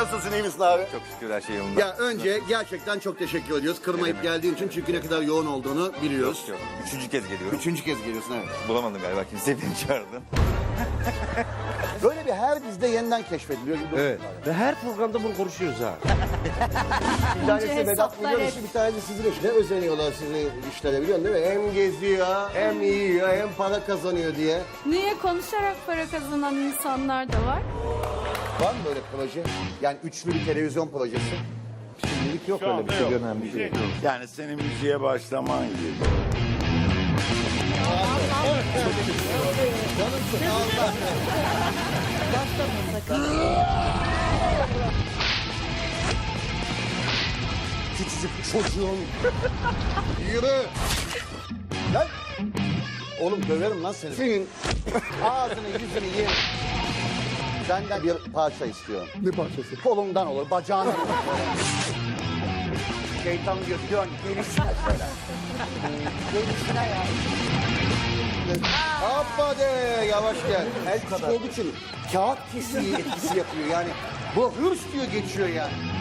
Nasılsın, iyi misin abi? Çok şükür her şey yolunda. Ya önce gerçekten çok teşekkür ediyoruz. Kırmayıp geldiğin için, çünkü ne kadar yoğun olduğunu biliyoruz. Yok. Üçüncü kez geliyorum. Üçüncü kez geliyorsun, evet. Bulamadım galiba, kimseyi beni çağırdı. Böyle bir her dizide yeniden keşfediliyor gibi. Evet. Ve her programda bunu konuşuyoruz ha. Bir tanesi Önce Vedat hesaplar Milor hep. işi, bir tanesi sizin iş. Ne özeniyorlar sizi işlere, biliyorsun değil mi? Hem geziyor, hem yiyor, hem para kazanıyor diye. Niye konuşarak para kazanan insanlar da var? Var mı böyle proje? Yani üçlü bir televizyon projesi. Şimdilik yok öyle bir şey, görünen bir şey yok. Yani senin müziğe başlaman gibi. Küçücük çocuğun. Yürü. Lan. Oğlum döverim lan seni. Senin ağzını yüzünü yerim. Senden bir parça istiyorum. Ne parçası? Kolundan olur, bacağından olur. Şeytan diyor, dön, gelişine söyle. Gelişine ya. Hoppa de, yavaş gel. El kadar olduğu için kağıt kesiği etkisi yapıyor yani. Bu hırs diyor, geçiyor yani.